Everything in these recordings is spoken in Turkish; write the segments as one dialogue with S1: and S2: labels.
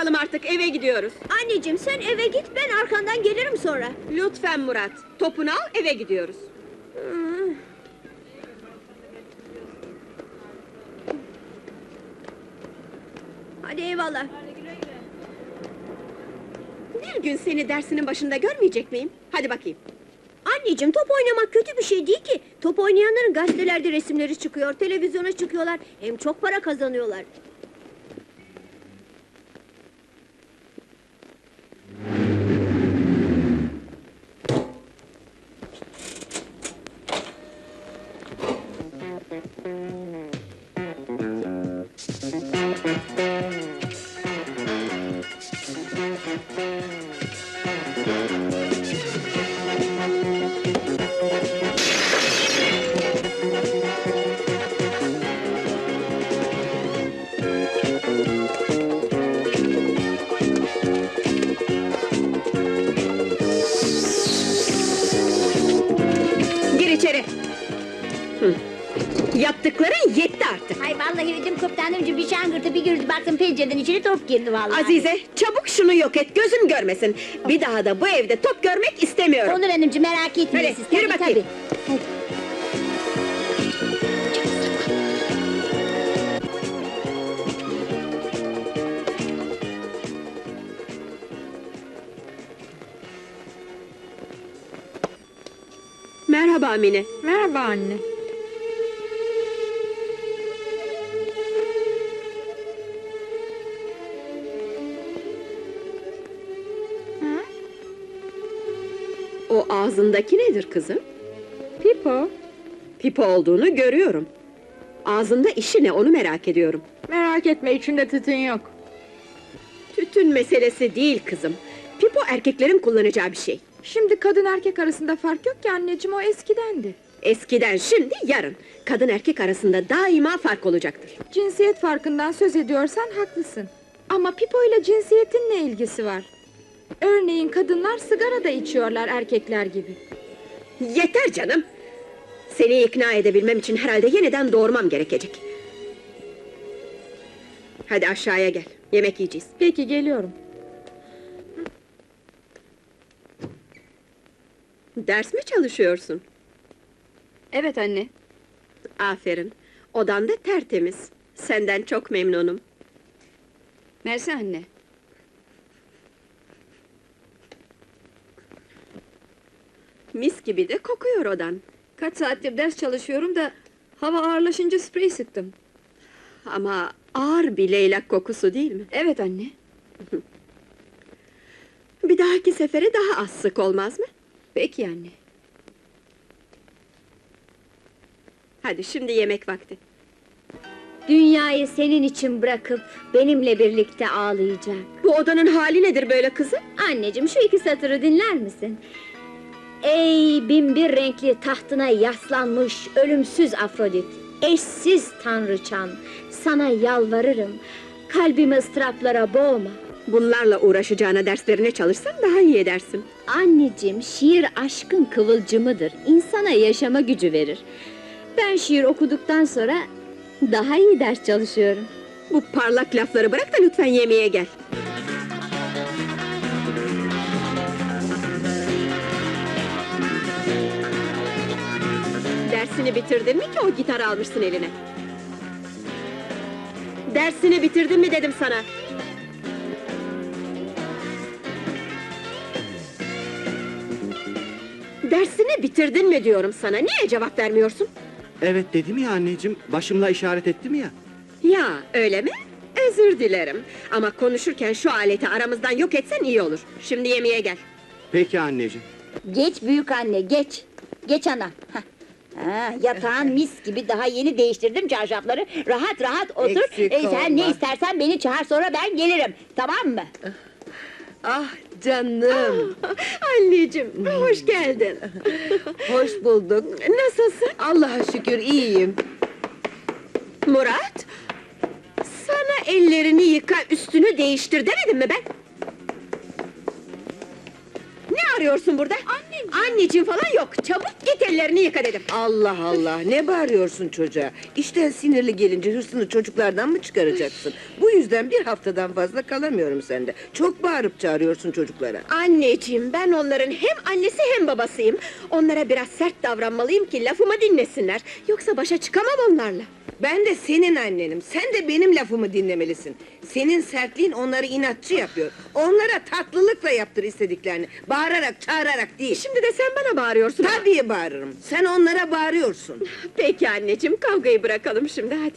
S1: bakalım artık, eve gidiyoruz.
S2: Anneciğim sen eve git, ben arkandan gelirim sonra.
S1: Lütfen Murat, topunu al, eve gidiyoruz.
S2: Hadi eyvallah.
S1: Bir gün seni dersinin başında görmeyecek miyim? Hadi bakayım.
S2: Anneciğim top oynamak kötü bir şey değil ki. Top oynayanların gazetelerde resimleri çıkıyor, televizyona çıkıyorlar. Hem çok para kazanıyorlar.
S1: Gir içeri. Yaptıkların yetti artık.
S3: Ay vallahi ödüm koptu hanımcığım, bir şangırtı bir girdi, baktım pencereden içeri top girdi vallahi.
S1: Azize, çabuk şunu yok et, gözüm görmesin. Bir daha da bu evde top görmek istemiyorum.
S3: Olur hanımcığım, merak etmeyin
S1: Hadi,
S3: siz.
S1: yürü
S3: Tabii,
S1: bakayım.
S3: tabii.
S1: Merhaba Mine.
S4: Merhaba anne.
S1: O ağzındaki nedir kızım?
S4: Pipo,
S1: Pipo olduğunu görüyorum. Ağzında işi ne, onu merak ediyorum.
S4: merak etme, içinde tütün yok.
S1: Tütün meselesi değil kızım. Pipo erkeklerin kullanacağı bir şey.
S4: Şimdi kadın erkek arasında fark yok ki anneciğim, o eskidendi.
S1: Eskiden, şimdi, yarın. Kadın erkek arasında daima fark olacaktır.
S4: Cinsiyet farkından söz ediyorsan haklısın. Ama Pipo ile cinsiyetin ne ilgisi var? Örneğin kadınlar sigara da içiyorlar erkekler gibi.
S1: Yeter canım! Seni ikna edebilmem için herhalde yeniden doğurmam gerekecek. Hadi aşağıya gel, yemek yiyeceğiz.
S4: Peki, geliyorum.
S1: Ders mi çalışıyorsun?
S5: Evet anne.
S1: Aferin, odan da tertemiz. Senden çok memnunum.
S5: Mersi anne.
S1: Mis gibi de kokuyor odan.
S5: Kaç saattir ders çalışıyorum da hava ağırlaşınca sprey sıktım.
S1: Ama ağır bir leylak kokusu değil mi?
S5: Evet anne.
S1: Bir dahaki sefere daha az sık olmaz mı?
S5: Peki anne.
S1: Hadi şimdi yemek vakti.
S3: Dünyayı senin için bırakıp benimle birlikte ağlayacak.
S1: Bu odanın hali nedir böyle kızım?
S3: Anneciğim, şu iki satırı dinler misin? Ey binbir renkli tahtına yaslanmış ölümsüz Afrodit, eşsiz tanrıçam, sana yalvarırım, kalbimi ıstıraplara boğma.
S1: Bunlarla uğraşacağına derslerine çalışsan daha iyi edersin.
S3: Anneciğim, şiir aşkın kıvılcımıdır, insana yaşama gücü verir. Ben şiir okuduktan sonra daha iyi ders çalışıyorum.
S1: Bu parlak lafları bırak da lütfen yemeğe gel. Dersini bitirdin mi ki o gitarı almışsın eline? Dersini bitirdin mi dedim sana. Dersini bitirdin mi diyorum sana, niye cevap vermiyorsun?
S6: Evet dedim ya anneciğim, başımla işaret ettim ya.
S1: Ya öyle mi? Özür dilerim. Ama konuşurken şu aleti aramızdan yok etsen iyi olur. Şimdi yemeğe gel.
S6: Peki anneciğim.
S3: Geç büyük anne, geç. Geç ana. Hah. Ha, yatağın mis gibi, daha yeni değiştirdim çarşafları. Rahat rahat otur.
S7: Eksik
S3: Sen ne
S7: olma.
S3: istersen beni çağır, sonra ben gelirim. Tamam mı?
S7: Ah canım,
S1: Anneciğim, hoş geldin.
S7: hoş bulduk.
S1: Nasılsın?
S7: Allah'a şükür iyiyim.
S1: Murat, sana ellerini yıka, üstünü değiştir demedim mi ben? Ne arıyorsun burada?
S4: Anne,
S1: Anneciğim falan yok. Çabuk git ellerini yıka dedim.
S7: Allah Allah, ne bağırıyorsun çocuğa? İşten sinirli gelince hırsını çocuklardan mı çıkaracaksın? Bu yüzden bir haftadan fazla kalamıyorum sende. Çok bağırıp çağırıyorsun çocuklara.
S1: Anneciğim, ben onların hem annesi hem babasıyım. Onlara biraz sert davranmalıyım ki lafımı dinlesinler. Yoksa başa çıkamam onlarla.
S7: Ben de senin annenim, sen de benim lafımı dinlemelisin. Senin sertliğin onları inatçı yapıyor. Onlara tatlılıkla yaptır istediklerini. Bağırarak, çağırarak değil.
S1: Şimdi de sen bana bağırıyorsun.
S7: Tabii bağırırım, sen onlara bağırıyorsun.
S1: Peki anneciğim, kavgayı bırakalım şimdi, hadi.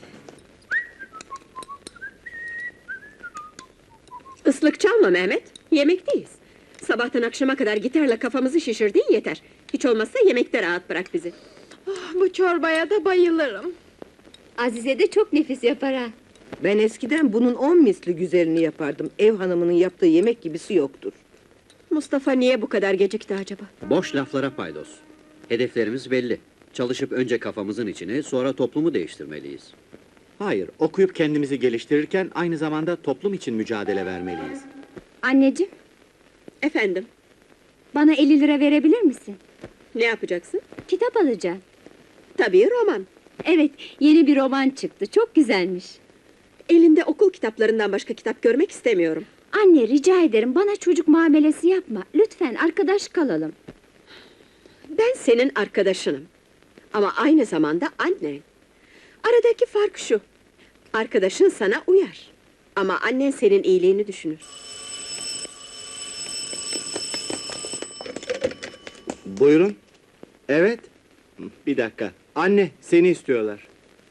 S1: Islık çalma Mehmet, yemekteyiz. Sabahtan akşama kadar gitarla kafamızı şişirdiğin yeter. Hiç olmazsa yemekte rahat bırak bizi.
S4: Bu çorbaya da bayılırım.
S3: Azize de çok nefis yapar ha.
S7: Ben eskiden bunun 10 misli güzelini yapardım. Ev hanımının yaptığı yemek gibisi yoktur.
S1: Mustafa niye bu kadar gecikti acaba?
S8: Boş laflara paydos. Hedeflerimiz belli. Çalışıp önce kafamızın içini, sonra toplumu değiştirmeliyiz.
S6: Hayır, okuyup kendimizi geliştirirken aynı zamanda toplum için mücadele vermeliyiz.
S3: Anneciğim,
S1: Efendim,
S3: bana 50 lira verebilir misin?
S1: ne yapacaksın?
S3: Kitap alacağım.
S1: Tabii roman.
S3: Evet, yeni bir roman çıktı, çok güzelmiş.
S1: Elinde okul kitaplarından başka kitap görmek istemiyorum.
S3: Anne, rica ederim, bana çocuk muamelesi yapma. Lütfen, arkadaş kalalım.
S1: Ben senin arkadaşınım. Ama aynı zamanda annen. Aradaki fark şu: arkadaşın sana uyar. Ama annen senin iyiliğini düşünür.
S6: Buyurun. Evet. Bir dakika. Anne, seni istiyorlar.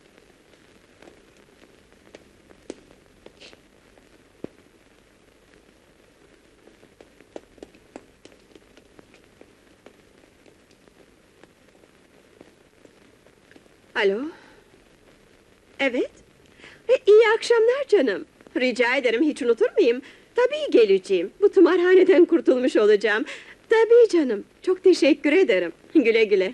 S1: Alo? Evet? İyi akşamlar canım. Rica ederim, hiç unutur muyum? Tabii geleceğim. Bu tımarhaneden kurtulmuş olacağım. Tabii canım. Çok teşekkür ederim. Güle güle.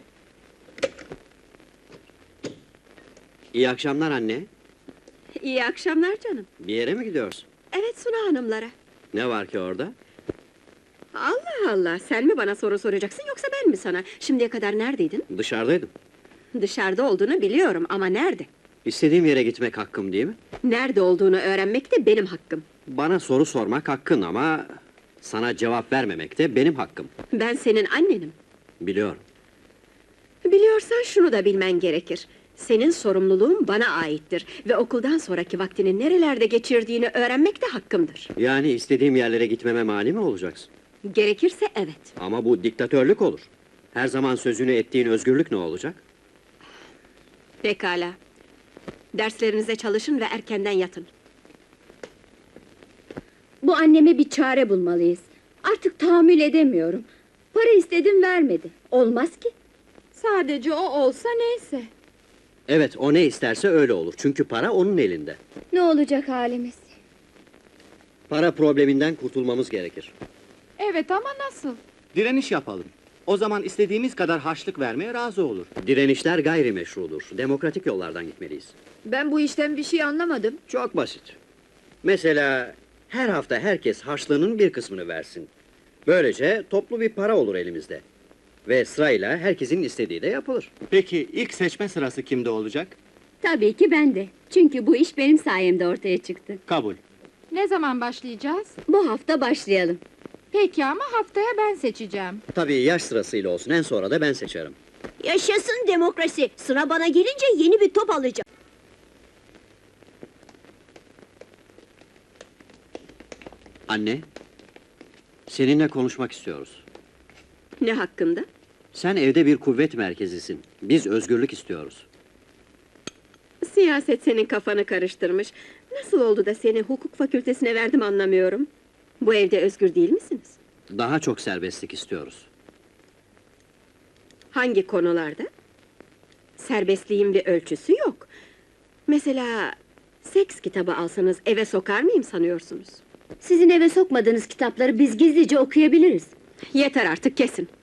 S8: İyi akşamlar anne.
S1: İyi akşamlar canım.
S8: Bir yere mi gidiyorsun?
S1: Evet, Suna hanımlara.
S8: Ne var ki orada?
S1: Allah Allah, sen mi bana soru soracaksın yoksa ben mi sana? Şimdiye kadar neredeydin?
S8: Dışarıdaydım.
S1: Dışarıda olduğunu biliyorum ama nerede?
S8: İstediğim yere gitmek hakkım değil mi?
S1: Nerede olduğunu öğrenmek de benim hakkım.
S8: Bana soru sormak hakkın ama... sana cevap vermemek de benim hakkım.
S1: Ben senin annenim.
S8: Biliyorum.
S1: Biliyorsan şunu da bilmen gerekir. Senin sorumluluğun bana aittir ve okuldan sonraki vaktini nerelerde geçirdiğini öğrenmek de hakkımdır.
S8: Yani istediğim yerlere gitmeme mani mi olacaksın?
S1: Gerekirse evet.
S8: Ama bu diktatörlük olur. Her zaman sözünü ettiğin özgürlük ne olacak?
S1: Pekala. Derslerinize çalışın ve erkenden yatın.
S3: Bu anneme bir çare bulmalıyız. Artık tahammül edemiyorum. Para istedim, vermedi. Olmaz ki.
S4: Sadece o olsa neyse.
S8: Evet, o ne isterse öyle olur. Çünkü para onun elinde.
S3: Ne olacak halimiz?
S8: Para probleminden kurtulmamız gerekir.
S4: Evet ama nasıl?
S6: Direniş yapalım. O zaman istediğimiz kadar harçlık vermeye razı olur.
S8: Direnişler gayrimeşrudur. Demokratik yollardan gitmeliyiz.
S5: Ben bu işten bir şey anlamadım.
S8: Çok basit. Mesela her hafta herkes harçlığının bir kısmını versin. Böylece toplu bir para olur elimizde. Ve sırayla herkesin istediği de yapılır.
S6: Peki ilk seçme sırası kimde olacak?
S3: Tabii ki ben de. Çünkü bu iş benim sayemde ortaya çıktı.
S6: Kabul.
S4: Ne zaman başlayacağız?
S3: Bu hafta başlayalım.
S4: Peki ama haftaya ben seçeceğim.
S8: Tabii yaş sırasıyla olsun, en sonra da ben seçerim.
S2: Yaşasın demokrasi. Sıra bana gelince yeni bir top alacağım.
S8: Anne, seninle konuşmak istiyoruz.
S1: Ne hakkında?
S8: Sen evde bir kuvvet merkezisin. Biz özgürlük istiyoruz.
S1: Siyaset senin kafanı karıştırmış. Nasıl oldu da seni hukuk fakültesine verdim anlamıyorum. Bu evde özgür değil misiniz?
S8: Daha çok serbestlik istiyoruz.
S1: Hangi konularda? Serbestliğin bir ölçüsü yok. Mesela seks kitabı alsanız eve sokar mıyım sanıyorsunuz?
S3: Sizin eve sokmadığınız kitapları biz gizlice okuyabiliriz.
S1: Yeter artık, kesin.